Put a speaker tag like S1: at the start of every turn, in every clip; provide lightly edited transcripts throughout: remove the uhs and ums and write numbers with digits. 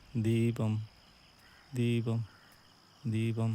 S1: ദീപം ദീപം ദീപം.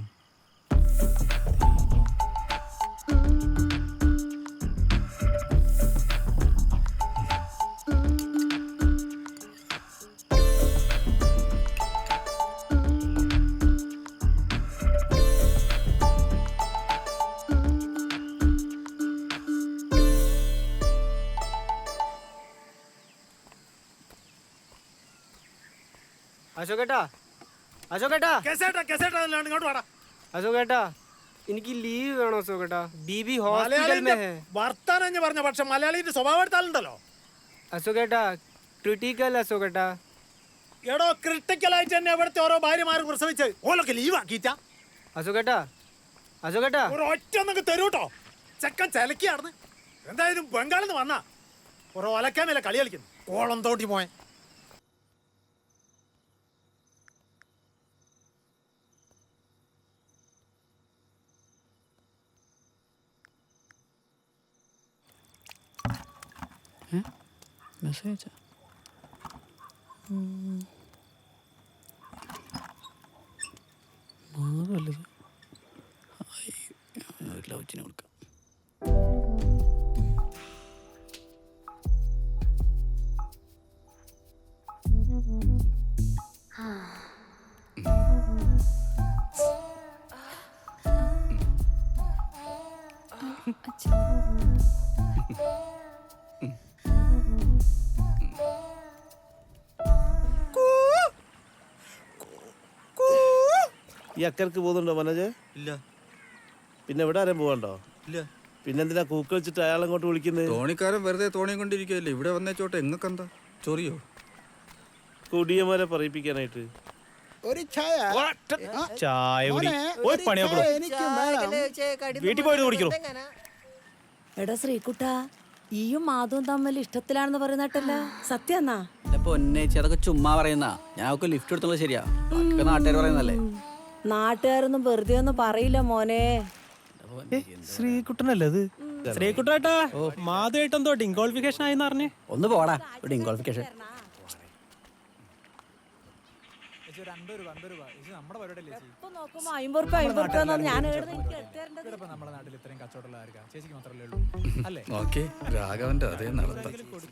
S2: അശോകേട്ടാ, അശോകേട്ടാ, അശോകേട്ടാ, എനിക്ക് ലീവ് വേണോ അശോകേട്ടാ? ബീബി ഹോസ്പിറ്റൽ മേ ഹേ.
S3: വർത്താനം പറഞ്ഞ പക്ഷെ മലയാളിന്റെ സ്വഭാവം എടുത്താലുണ്ടല്ലോ.
S2: അശോകേട്ടാ, ക്രിട്ടിക്കൽ അശോകേട്ടാ.
S3: എടോ ക്രിട്ടിക്കൽ ആയിട്ട് തന്നെ ഇവിടുത്തെ ഓരോ ഭാര്യമാർ പ്രസവിച്ച് ഓലൊക്കെ ലീവ് ആക്കിയിട്ടാ.
S2: അശോകേട്ടാ, അശോകേട്ടാ,
S3: ഒരു ഒറ്റ ഒന്നൊക്കെ തരൂട്ടോ. ചെക്കൻ ചിലക്കിയാർന്ന് എന്തായാലും ബംഗാളിൽ നിന്ന് വന്നാ ഒരു ഒലക്കാമേലെ കളി കളിക്കുന്നു. കോളം തോട്ടി പോയ
S4: മെസ്സേജ് മാറല്ലത് ലവച്ചിനെ കൊടുക്കാം.
S5: ഈ അക്കർക്ക് പോകുന്നുണ്ടോ മനോജ്?
S1: ഇല്ല.
S5: പിന്നെ എവിടെ ആരും പോകണ്ടോ?
S1: ഇല്ല.
S5: പിന്നെന്തിനാ കൂക്ക് വെച്ചിട്ട് അയാളെങ്ങോട്ട് വിളിക്കുന്നത്?
S1: തോണിക്കാരൻ വെറുതെ തോണിയും കൊണ്ടിരിക്കുകയല്ലേ. ഇവിടെ വന്നേച്ചോട്ടെ. എങ്ങക്കെന്താ ചൊറിയോ?
S5: കുടിയന്മാരെ പറയിപ്പിക്കാനായിട്ട്
S6: ഒരു ചായ
S1: ചായ കുടി. പോയി പണിയൊക്കെ വീട്ടിൽ പോയിട്ട് കുടിക്കണോ?
S7: എടാ ശ്രീകുട്ട, ഈയും മാധവും തമ്മിൽ ഇഷ്ടത്തിലാണെന്ന് പറയുന്നട്ടല്ല, സത്യാന്നാ?
S4: എന്റെ പൊന്നേച്ചി, അതൊക്കെ ചുമ്മാ പറയുന്ന. ഞാൻ അവർക്ക് ലിഫ്റ്റ് എടുത്തുള്ളത് ശരിയാ, നാട്ടുകാർ പറയുന്നല്ലേ.
S7: നാട്ടുകാരൊന്നും വെറുതെ ഒന്നും പറയില്ല മോനെ.
S8: ശ്രീകുട്ടനല്ലേ അത്? ശ്രീകുട്ടേട്ടാ, മാധുവായിട്ടെന്തോ ഡിംഗോളിഫിക്കേഷൻ ആയിന്ന് പറഞ്ഞേ.
S4: ഒന്ന് പോടാ ഡിംഗോളിഫിക്കേഷൻ.
S1: രാഘവന്റെ അതേ നടത്താം.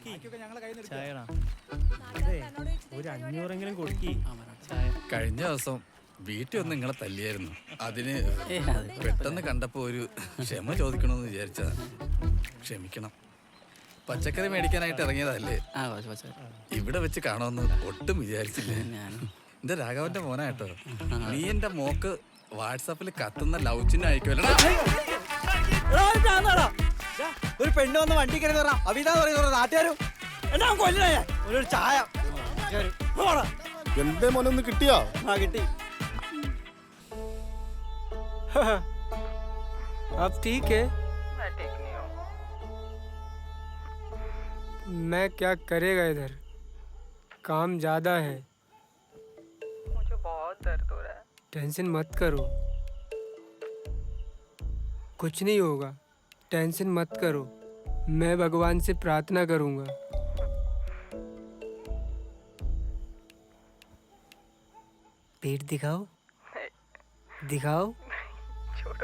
S8: ഒരു 500 കൊടുക്കി.
S1: കഴിഞ്ഞ ദിവസം വീട്ടിൽ ഒന്ന് നിങ്ങളെ തല്ലിയായിരുന്നു. അതിന് പെട്ടെന്ന് കണ്ടപ്പോ ഒരു ക്ഷമ ചോദിക്കണമെന്ന് വിചാരിച്ചതാ. ക്ഷമിക്കണം. പച്ചക്കറി മേടിക്കാനായിട്ട് ഇറങ്ങിയതല്ലേ. ഇവിടെ വെച്ച് കാണുമെന്ന് ഒട്ടും വിചാരിച്ചില്ല. എന്റെ രാഘവന്റെ മോനായിട്ടോ. നീ എന്റെ മോക്ക് വാട്സാപ്പിൽ കത്തുന്ന ലവ് ചിഹ്നം അയക്കുമല്ലോ.
S4: ഒരു പെണ്ണ് വന്ന് വണ്ടി കയറി അവിതാ പറയുന്ന നാട്ടുകാരും ഒരു ചായ
S6: എന്റെ മോനൊന്ന് കിട്ടിയോ?
S4: കിട്ടി.
S2: अब ठीक है? मैं क्या करेगा इधर, काम ज्यादा है.
S9: मुझे बहुत दर्द हो रहा है.
S2: टेंशन मत करो, कुछ नहीं होगा. टेंशन मत करो, मैं भगवान से प्रार्थना करूंगा. पेट दिखाओ, दिखाओ.
S9: छोड़ो.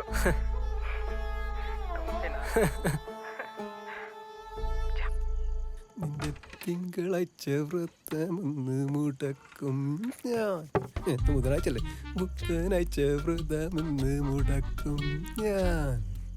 S6: നിന്റെ തിങ്കളാഴ്ച വ്രതമെന്ന് മുടക്കും ഞാൻ. ബുധനാഴ്ചല്ലേ? ബുധനാഴ്ച വ്രതമെന്ന് മുടക്കും ഞാൻ.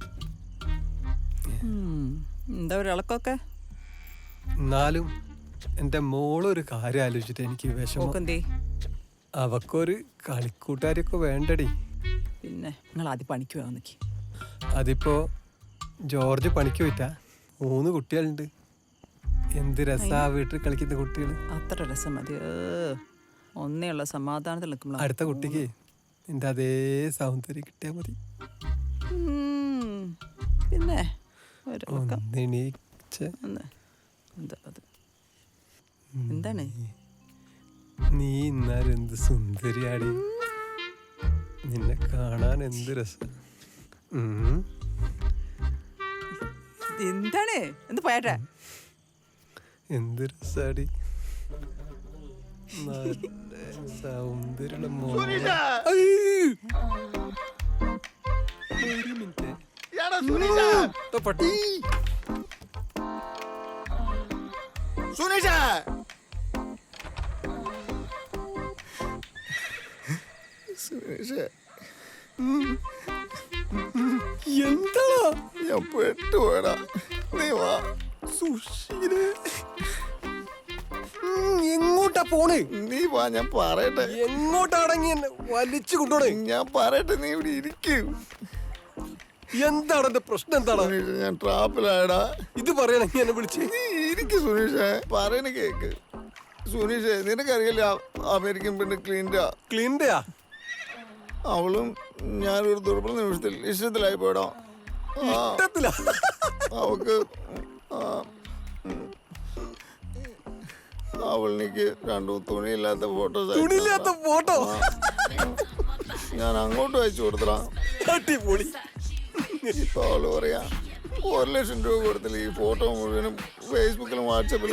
S4: എന്താ ഒരു ഇളക്കൊക്കെ?
S6: എന്നാലും എൻ്റെ മോളൊരു കാര്യം ആലോചിച്ചിട്ട് എനിക്ക് വിഷമം. അവക്കൊരു കളിക്കൂട്ടുകാരൊക്കെ വേണ്ടടി.
S4: പിന്നെ നിങ്ങൾ ആദ്യം പണിക്ക് പോകാൻ നിൽക്കി.
S6: അതിപ്പോ ജോർജ് പണിക്ക് പോയിട്ടാ. 3 കുട്ടികളുണ്ട്. എന്ത് രസാ വീട്ടിൽ കളിക്കുന്ന കുട്ടികൾ.
S4: അത്ര രസം മതി. ഒന്നേയുള്ള സമാധാനത്തിൽ നിൽക്കുമ്പോൾ
S6: അടുത്ത കുട്ടിക്ക് എൻ്റെ അതേ സൗന്ദര്യം കിട്ടിയാൽ മതി.
S4: പിന്നെ എന്താണ്
S6: നീ ഇന്നാലും എന്ത് സുന്ദരിയാടി. നിന്നെ കാണാൻ എന്ത് രസം.
S4: എന്താണ് എന്ത് പോയാട്ടെ
S6: എന്ത് രസാടി. സൗന്ദര്യമുള്ള മോൻ. ഒരു മിനിറ്റ്. ഇപ്പൊ പട്ടി. എന്താ
S10: ഞാൻ പെട്ടുപോയടാ. നീ വാ.
S6: സുശീല്. എങ്ങോട്ടാ പോണ്?
S10: നീ വാ, ഞാൻ പറയട്ടെ.
S6: എങ്ങോട്ടാണെങ്കി എന്നെ വലിച്ചു കൊണ്ടോണേ?
S10: ഞാൻ പറയട്ടെ, നീ ഇവിടെ ഇരിക്കും.
S6: എന്താണ് എന്റെ പ്രശ്നം? എന്താണ്?
S10: സുനീഷ്, ഞാൻ ട്രാപ്പിലായടാ.
S6: ഇത് പറയണെങ്കി എന്നെ വിളിച്ച്.
S10: നീ ഇരിക്കും സുനീഷേ, പറയണ കേക്ക്. സുനീഷേ, നിനക്കറിയില്ല അമേരിക്കൻ പെണ്ണ്
S6: ക്ലീൻഡയാ?
S10: അവളും ഞാനൊരു ദുർബല നിമിഷത്തിൽ ഇഷ്ടത്തിലായി പോയടാ.
S6: ഇഷ്ടത്തിലാ?
S10: അവക്ക് അവൾക്ക് രണ്ടു തുണിയില്ലാത്ത ഫോട്ടോസ്.
S6: തുണിയില്ലാത്ത ഫോട്ടോ
S10: ഞാൻ അങ്ങോട്ട് അയച്ചു കൊടുത്തടാ.
S6: അടിപൊളി.
S10: ഇപ്പൊ അവള് പറയാ 1,00,000 രൂപ കൊടുത്തില്ല ഈ ഫോട്ടോ മുഴുവനും ഫേസ്ബുക്കിലും വാട്സാപ്പിലും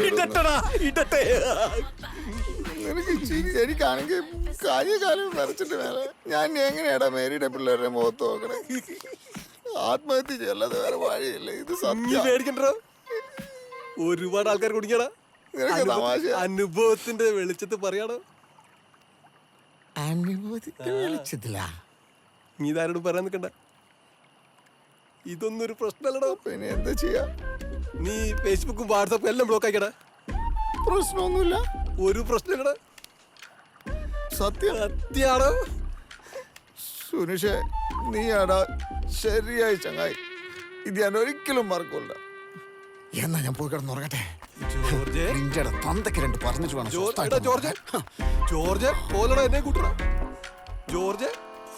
S10: നിനക്ക് ശരിക്കാണെങ്കിൽ കാര്യകാലം വരച്ചിട്ട് വേറെ ഞാൻ എങ്ങനെയാടാ മേരിയുടെ പിള്ളേരുടെ മുഖത്ത് നോക്കണേ? ആത്മഹത്യ ചെയ്യല്ലാതെ വേറെ വഴിയില്ല. ഇത് സത്യം.
S6: പേടിക്കണ്ടോ? ഒരുപാട് ആൾക്കാർ കുടിക്കടാ.
S10: നിനക്ക് തമാശ.
S6: അനുഭവത്തിന്റെ വെളിച്ചത്ത് പറയാടോ.
S10: അനുഭവത്തിന്റെ വെളിച്ചത്തില
S6: നീ ഇതാരോട് പറയാൻ നിൽക്കണ്ട. ഇതൊന്നും ഒരു പ്രശ്നമല്ലടോ.
S10: പിന്നെ എന്താ ചെയ്യാ?
S6: നീ ഫേസ്ബുക്കും വാട്സാപ്പും എല്ലാം ബ്ലോക്ക് ആക്കിയടാ.
S10: പ്രശ്നമൊന്നുമില്ല.
S6: ഒരു പ്രശ്നമില്ലടാ.
S10: സത്യാണോ? സുനിഷേ, നീയാടാ ശരിയായി ചങ്ങായി. ഇത് ഞാൻ ഒരിക്കലും മറക്കൂല. എന്നാ ഞാൻ പോയി കിടന്നുറങ്ങട്ടെ. നിന്റെ തന്തയ്ക്ക് രണ്ട് പറഞ്ഞിട്ട് വേണം.
S6: ജോർജ് പോലടാ, എന്നെ കൂട്ടടാ. George.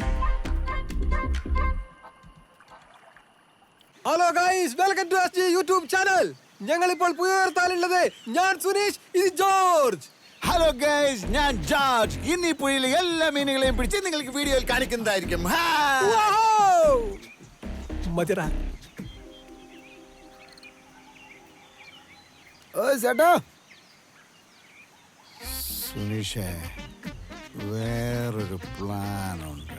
S6: Hello guys, welcome to SG YouTube channel. ഞങ്ങൾ ഇപ്പോൾ പുയർത്താലുള്ളത് ഞാൻ സുനീഷ്, ഇത് ജോർജ്.
S10: ഹലോ ഗൈസ്, ഞാൻ ജോർജ്. ഇന്ന് ഈ പുഴയിലെ എല്ലാ മീനുകളെയും പിടിച്ച് നിങ്ങൾക്ക് വീഡിയോയിൽ കാണിക്കുന്നതായിരിക്കും.
S6: മതിടാ.
S10: ചേട്ടാ, സുനീഷേ, വേറൊരു പ്ലാൻ ഉണ്ട്.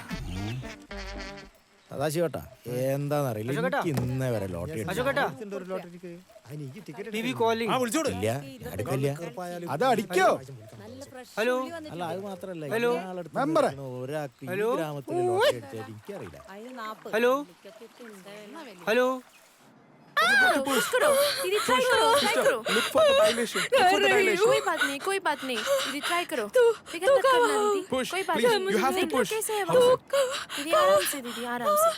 S4: സദാശിവട്ടാ, എന്താന്നറിയില്ല, എനിക്ക് ഇന്നേ വരെ ലോട്ടറി
S2: टीवी कॉलिंग.
S4: ഇല്ല, അടുക്കില്ല.
S10: അത് അടിക്കോ?
S2: हेलो
S4: അല്ല, അത് മാത്രല്ല,
S2: ഹലോ.
S4: ഒരാൾക്ക് ഈ
S2: ഹലോ.
S4: ഗ്രാമത്തിൽ ലോട്ടറി അടിച്ചാൽ എനിക്കറിയില്ല.
S2: Hello hello.
S11: पुश करो दीदी, ट्राई करो, ट्राई करो.
S6: Look for the dilation.
S11: कोई बात नहीं, कोई बात नहीं दीदी, ट्राई करो. फिकर मत करना दीदी, कोई बात नहीं.
S6: You have to push.
S11: कैसे है वो? दीदी आराम से, दीदी आराम से.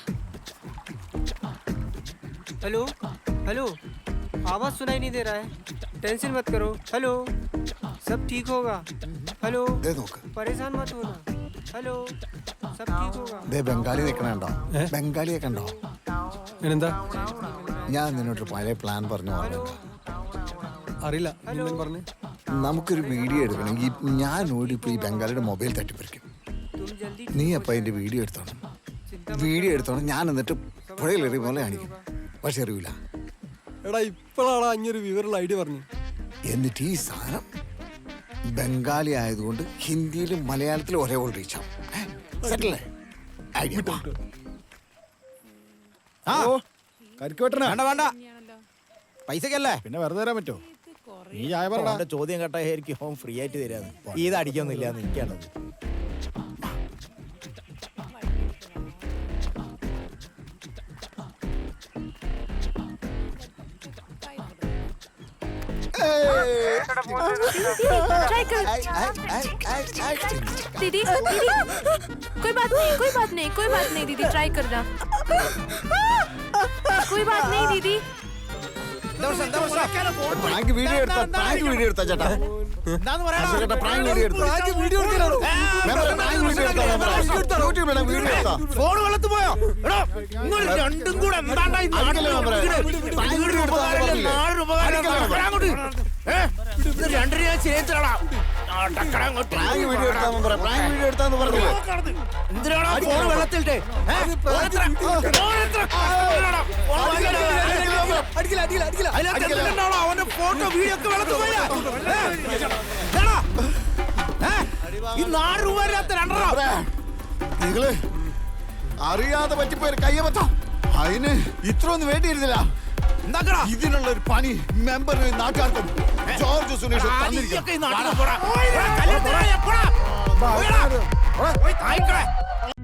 S2: Hello hello. आवाज सुनाई नहीं दे रहा है. टेंशन मत करो. हेलो, सब ठीक होगा. हेलो, परेशान मत होना. हेलो, सब ठीक होगा.
S10: ബംഗാളി നിൽക്കണോ? ബംഗാളിയെ കണ്ടോ?
S6: എന്താ?
S10: ഞാൻ നിന്നോട്ട് പഴയ പ്ലാൻ പറഞ്ഞു.
S6: അറിയില്ല. പറഞ്ഞു
S10: നമുക്കൊരു വീഡിയോ എടുക്കണമെങ്കിൽ ഞാൻ ഓടിപ്പോ ഈ ബംഗാളിയുടെ മൊബൈൽ തട്ടിപ്പറിക്കും. നീ അപ്പൊ അതിന്റെ വീഡിയോ എടുത്തോണം. വീഡിയോ എടുത്തോണം. ഞാൻ എന്നിട്ട് പുഴയിലെറിയ പോലെ കാണിക്കും. പക്ഷെ അറിയില്ല.
S6: എടാ, ഇപ്പോഴാണ് അങ്ങനൊരു വിവരമുള്ള ഐഡിയ പറഞ്ഞു.
S10: എന്നിട്ട് ഈ സാധനം ബംഗാളി ആയതുകൊണ്ട് ഹിന്ദിയിലും മലയാളത്തിലും ഒരേ പോലെ റീച്ച് ആവും. സെറ്റല്ലേ? ഐഡിയ.
S4: വേണ്ട വേണ്ട, പൈസക്കല്ലേ,
S3: പിന്നെ വെറുതെ തരാൻ പറ്റുമോ? നീ ചായ പറ.
S4: അവന്റെ ചോദ്യം കേട്ടായിരിക്കും ഹോം ഫ്രീ ആയിട്ട് തരാന്ന്. ഇത് അടിക്കൊന്നുമില്ല എന്ന് എനിക്കാണത്.
S11: ट्राई कर दीदी, दीदी कोई बात नहीं, कोई बात नहीं, कोई बात नहीं दीदी, ट्राई करना. कोई बात नहीं दीदी.
S10: പ്രാങ്ക് വീഡിയോ എടുത്താ ചേട്ടാ. പ്രാങ്ക് വീഡിയോ എടുത്താ.
S3: ഫോൺ വെള്ളത്ത് പോയോ? രണ്ടും കൂടെ രണ്ടിനെ ഞാൻ ചേച്ചടാ.
S10: പ്രാങ്ക് വീഡിയോ എടുത്താന്ന് പറ, പ്രാങ്ക് വീഡിയോ എടുത്താന്ന് പറഞ്ഞില്ലേ?
S4: എന്തിനാണോ ഫോൺ വെള്ളത്തിലിട്ടെ
S6: അടിക്കില്ല അടിക്കില്ല അടിക്കില്ല
S4: അതിനകത്ത് അവന്റെ ഫോട്ടോ വീഡിയോ ഒക്കെ വെള്ളത്തിൽ പോയാ ഈ 4 രൂപ
S10: നിങ്ങള് അറിയാതെ പറ്റിപ്പോയൊരു കയ്യബദ്ധം. അതിന് ഇത്ര ഒന്നും വേണ്ടിയിരുന്നില്ല. ഇതിനുള്ള ഒരു പണി മെമ്പറിന് നാട്ടുകാർക്കും ജോർജ് സുനീഷ് തന്നിരിക്കും.